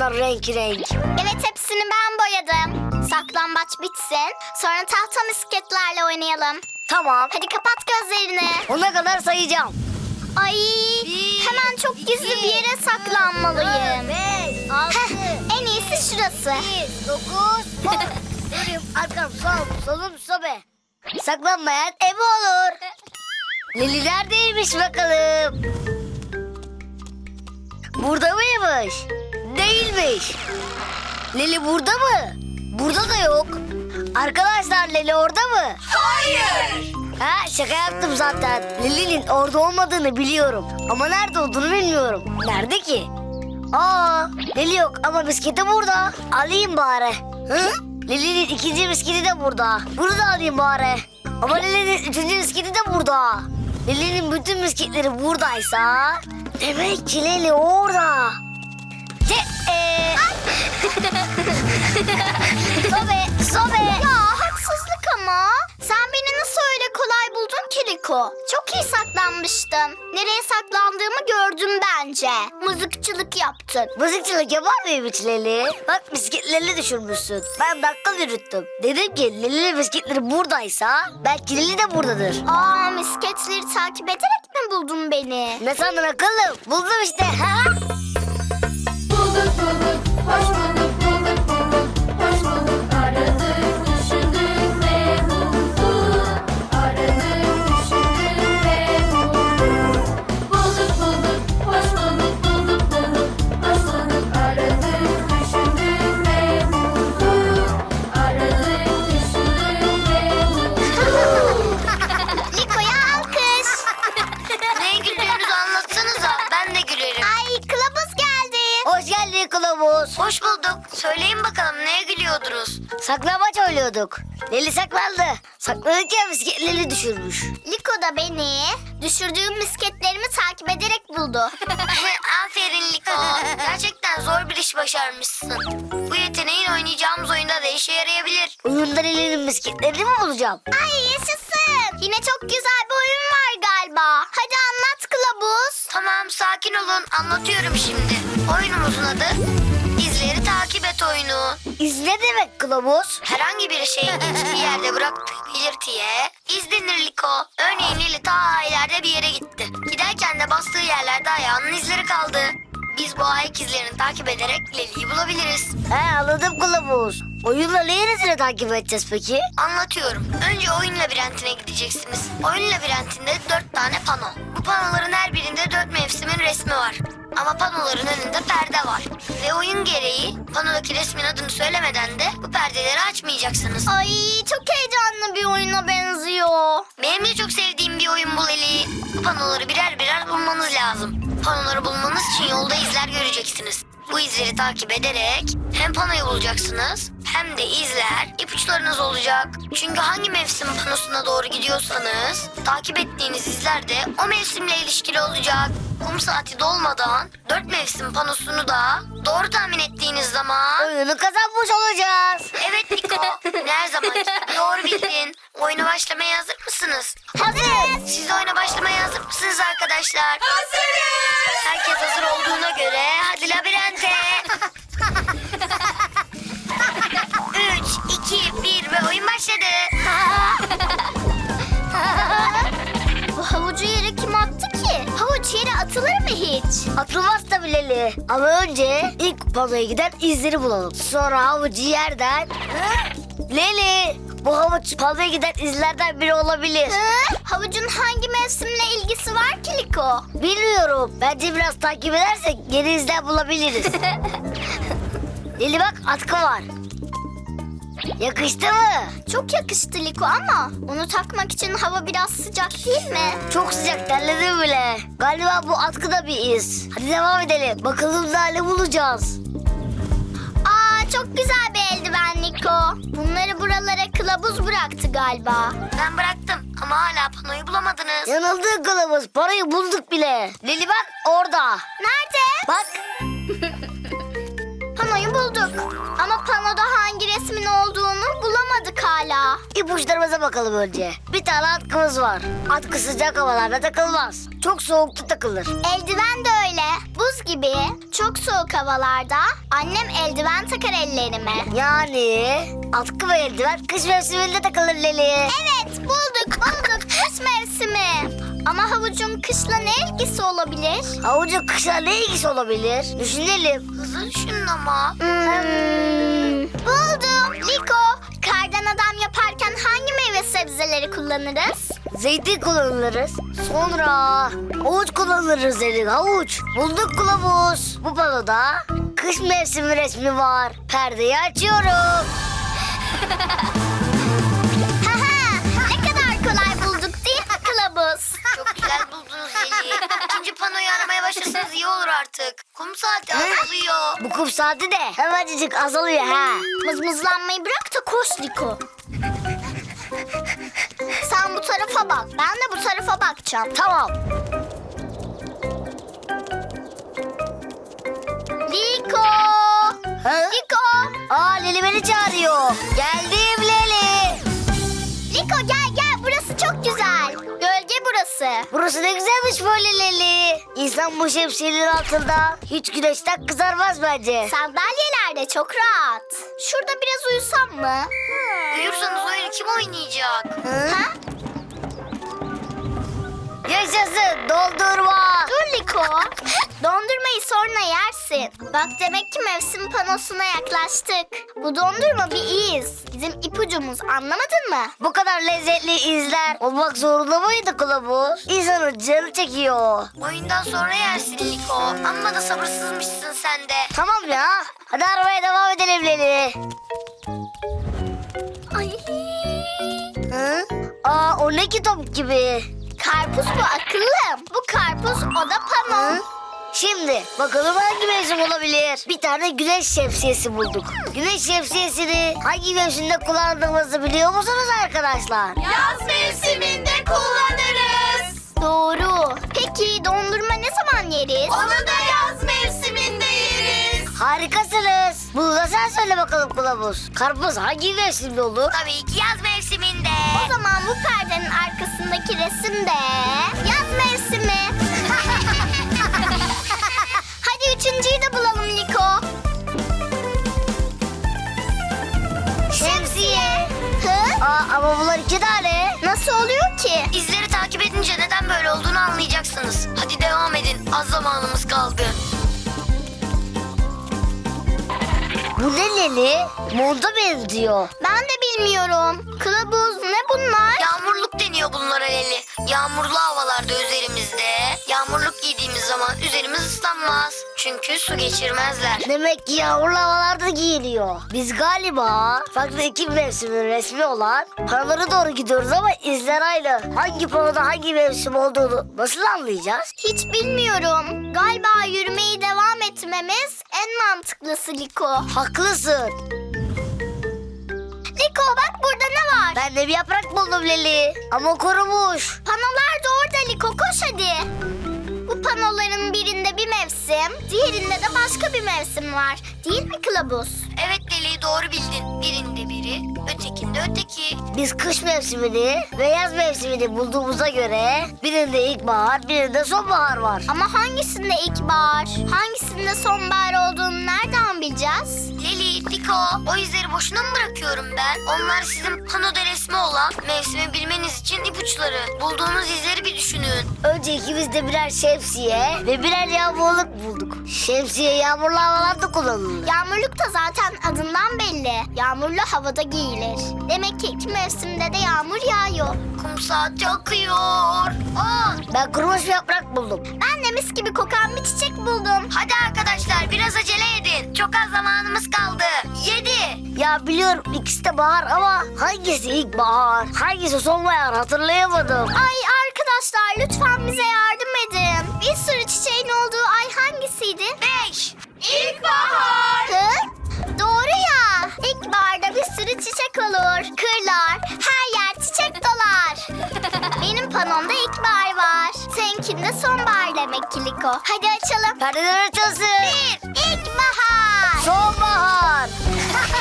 bunlar renk renk. Evet, hepsini ben boyadım. Saklambaç bitsin. Sonra tahta misketlerle oynayalım. Tamam. Hadi kapat gözlerini. Ona kadar sayacağım. Ay, hemen çok gizli bir yere saklanmalıyım. 5, 6, Heh, en iyisi şurası. 9, 10. Durayım, arkam, solum, sobe. Saklanmayan ev olur. Lili neredeymiş bakalım? Burada mıymış? Değilmiş. Lili burada mı? Burada da yok. Arkadaşlar, Lili orada mı? Hayır. Ha, şaka yaptım zaten. Lili'nin orada olmadığını biliyorum. Ama nerede olduğunu bilmiyorum. Nerede ki? Aa, Lili yok ama bisikleti burada. Alayım bari. Hı? Lili'nin ikinci bisikleti de burada. Bunu da alayım bari. Ama Lili'nin üçüncü bisikleti de burada. Lili'nin bütün bisikletleri buradaysa... Demek ki Lili orada. Sobe. Ya haksızlık ama. Sen beni nasıl öyle kolay buldun ki Liko? Çok iyi saklanmıştım. Nereye saklandığımı gördüm bence. Mızıkçılık yaptın. Mızıkçılık yapar mıyım hiç Leli? Bak, bisikletlerini düşürmüşsün. Ben dakika yürüttüm. Dedim ki Leli'nin bisikletleri buradaysa belki Leli de buradadır. Aa, misketleri takip ederek mi buldun beni? Ne sandın akıllım? Buldum işte. Ha? Bulduk bulduk, hoş bulduk, bulduk bulduk, hoş bulduk. Aradık, düşündük ve bulduk. Aradık, düşündük ve bulduk. Bulduk bulduk, hoş bulduk, bulduk bulduk, hoş bulduk. Aradık, düşündük ve bulduk. Aradık, düşündük ve bulduk. Liko'ya alkış. Neye gülüyorsunuz, anlatsanıza. Ben de gülerim. Ay, kılavuz geldi. Hoş geldin kılavuz. Hoş bulduk. Söyleyin bakalım neye gülüyordunuz? Saklambaç oynuyorduk. Leli saklandı. Saklanırken bisikletleri düşürmüş. Liko da beni düşürdüğüm misketlerimi takip ederek buldu. Aferin Liko. Gerçekten zor bir iş başarmışsın. Bu yeteneğin oynayacağımız oyunda da işe yarayabilir. Oyunda Leli'nin bisikletlerini mi bulacağım? Ay, yaşasın. Yine çok güzel bir oyun var galiba. Hadi anlat kılavuz. Tamam, sakin olun. Anlatıyorum şimdi. Oyunumuzun adı İzleri Takip Et oyunu. İz ne demek kılavuz? Herhangi bir şeyin geçtiği yerde bıraktığı belirtiye iz denir Liko. Örneğin Lili ta ileride bir yere gitti. Giderken de bastığı yerlerde ayağının izleri kaldı. Biz bu ayak izlerini takip ederek Lili'yi bulabiliriz. He, anladım kılavuz. Oyunla neresini takip edeceğiz peki? Anlatıyorum. Önce oyun labirentine gideceksiniz. Oyun labirentinde 4 tane pano. Bu panoların her birinde 4 mevsimin resmi var. Ama panoların önünde perde var. Ve oyun gereği panodaki resmin adını söylemeden de bu perdeleri açmayacaksınız. Ay, çok heyecanlı bir oyuna benziyor. Benim de çok sevdiğim bir oyun bu Leli. Bu panoları birer birer bulmanız lazım. Panoları bulmanız için yolda izler göreceksiniz. Bu izleri takip ederek hem panoyu bulacaksınız hem de izler ipuçlarınız olacak. Çünkü hangi mevsim panosuna doğru gidiyorsanız takip ettiğiniz izler de o mevsimle ilişkili olacak. Kum saati dolmadan 4 mevsim panosunu da doğru tahmin ettiğiniz zaman... Oyunu kazanmış olacağız. Evet Niko, her zaman doğru bildin. Oyuna başlamaya hazır mısınız? Hazır. Siz de oyuna başlamaya hazır mısınız arkadaşlar? Hazırız. Herkes hazır olduğuna göre hadi labirente. 3, 2, 1 ve oyun başladı. Bu havucu yere kim attı ki? Havuç yere atılır mı hiç? Atılmaz tabii Leli. Ama önce ilk panoya giden izleri bulalım. Sonra havucu yerden... Leli, bu havuç panoya giden izlerden biri olabilir. Hı? Havucun hangi mevsimle ilgisi var ki Liko? Bilmiyorum. Bence biraz takip edersek yeni izler bulabiliriz. Leli bak, atkı var. Yakıştı mı? Çok yakıştı Liko ama onu takmak için hava biraz sıcak değil mi? Çok sıcak, terledim bile. Galiba bu atkıda bir iz. Hadi devam edelim. Bakalım ne bulacağız. Aa, çok güzel bir eldiven Liko. Bunları buralara kılavuz bıraktı galiba. Ben bıraktım ama hala panoyu bulamadınız. Yanıldın kılavuz. Parayı bulduk bile. Leli bak, orada. Nerede? Bak. Pano panoyu bulduk. Ama panoda hangi resmin olduğunu bulamadık hala. İpuçlarımıza bakalım önce. Bir tane atkımız var. Atkı sıcak havalarda takılmaz. Çok soğukta takılır. Eldiven de öyle. Buz gibi. Çok soğuk havalarda annem eldiven takar ellerime. Yani atkı ve eldiven kış mevsiminde takılır Leli. Evet, bulduk. Kış mevsimi. Ama havucun kışla ne ilgisi olabilir? Havucun kışla ne ilgisi olabilir? Düşünelim. Hızlı düşünün ama. Buldum. Liko, kardan adam yaparken hangi meyve sebzeleri kullanırız? Zeytin kullanırız. Sonra havuç kullanırız Leli. Havuç. Bulduk kılavuz. Bu panoda kış mevsimi resmi var. Perdeyi açıyorum. Haha, ne kadar kolay bulduk değil mi kılavuz? Çok güzel buldunuz Leli. İkinci panoyu aramaya başlasanız iyi olur artık. Kum saati azalıyor. Bu kum saati de hemencik azalıyor ha. Mızmızlanmayı bırak da koş Liko. Sen bu tarafa bak, ben de bu tarafa bakacağım. Tamam. Liko! Ha? Liko! Aa Leli beni çağırıyor. Geldim Leli. Liko gel burası çok güzel. Gölge burası. Burası ne güzelmiş böyle Leli. İnsan bu şemsiyenin altında hiç güneşten kızarmaz bence. Sandalyeler de çok rahat. Şurada biraz uyusam mı? Uyursanız oyunu kim oynayacak? Ha? Yaşasın dondurma. Dur Liko. Dondurmayı sonra yersin. Bak demek ki mevsim panosuna yaklaştık. Bu dondurma bir iz. Bizim ipucumuz, anlamadın mı? Bu kadar lezzetli izler olmak zorunda mıydı kılavuz? İnsanın canı çekiyor. Oyundan sonra yersin Liko. Amma da sabırsızmışsın sen de. Tamam ya. Hadi arabaya devam edelim Leli. Ay. Hı? Aa o ne kitap gibi. Karpuz bu akıllım. Bu karpuz, o da pano. Hı? Şimdi bakalım hangi mevsim olabilir? Bir tane güneş şemsiyesi bulduk. Güneş şemsiyesini hangi mevsimde kullandığımızı biliyor musunuz arkadaşlar? Yaz mevsiminde kullanırız. Doğru. Peki dondurma ne zaman yeriz? Onu da yaz mevsiminde yeriz. Harikasınız. Bunu da sen söyle bakalım kılavuz. Karpuz hangi mevsimde olur? Tabii ki yaz mevsiminde. O zaman bu perdenin arkasındaki resim de yaz mevsimi. Hadi üçüncüyü de bulalım Liko. Şemsiye. Hı? Aa ama bunlar iki tane. Nasıl oluyor ki? İzleri takip edince neden böyle olduğunu anlayacaksınız. Hadi devam edin. Az zamanımız kaldı. Bu ne Leli? Monta benziyor. Ben de bilmiyorum. Kılavuz ne bunlar? Yağmurluk deniyor bunlara Leli. Yağmurlu havalarda üzerimizde. Yağmurluk giydiğimiz zaman üzerimiz ıslanmaz. Çünkü su geçirmezler. Demek ki yağmurlu havalarda giyiliyor. Biz galiba farklı iki mevsimin resmi olan panolara doğru gidiyoruz ama izler aynı. Hangi panoda hangi mevsim olduğunu nasıl anlayacağız? Hiç bilmiyorum. Galiba yürümeye devam etmemiz en mantıklısı Liko. Haklısın. Liko bak burada ne var? Ben de bir yaprak buldum Leli. Ama kurumuş. Panolar da orada Liko, koş hadi. Bu panoların birinde bir mevsim, diğerinde de başka bir mevsim var. Değil mi kılavuz? Evet Leli doğru bildin. Birinde biri, ötekinde öteki. Biz kış mevsimini ve yaz mevsimini bulduğumuza göre birinde ilkbahar, birinde sonbahar var. Ama hangisinde ilkbahar, hangisinde sonbahar olduğunu nereden bileceğiz? Leli, Liko, o izleri boşuna mı bırakıyorum ben? Onlar sizin panoda resmi olan mevsimi bilmeniz için ipuçları. Bulduğunuz izleri bir düşünün. Önce ikimiz de birer şemsiye ve birer yağmurluk bulduk. Şemsiye yağmurlu havalarda kullanılır. Yağmurluk da zaten adından belli. Yağmurlu havada giyilir. Demek ki iki mevsimde de yağmur yağıyor. Kum saati akıyor. Aa, Ben kurumuş bir yaprak buldum. Ben de mis gibi kokan bir çiçek buldum. hadi arkadaşlar biraz acele edin. Çok az zamanımız kaldı. 7. Ya biliyorum ikisi de bahar ama hangisi ilkbahar, hangisi sonbahar hatırlayamadım. Ay arkadaşlar lütfen bize yardım edin. Bir sürü çiçeğin olduğu ay hangisiydi? 5. İlkbahar. Hı? Doğru ya. İlkbaharda bir sürü çiçek olur. Kırlar, her yer çiçek dolar. Benim panomda ilkbahar var. Seninkinde sonbahar demek ki Liko. Hadi açalım. Perdeler açılsın. Bir, ilkbahar. Sonbahar.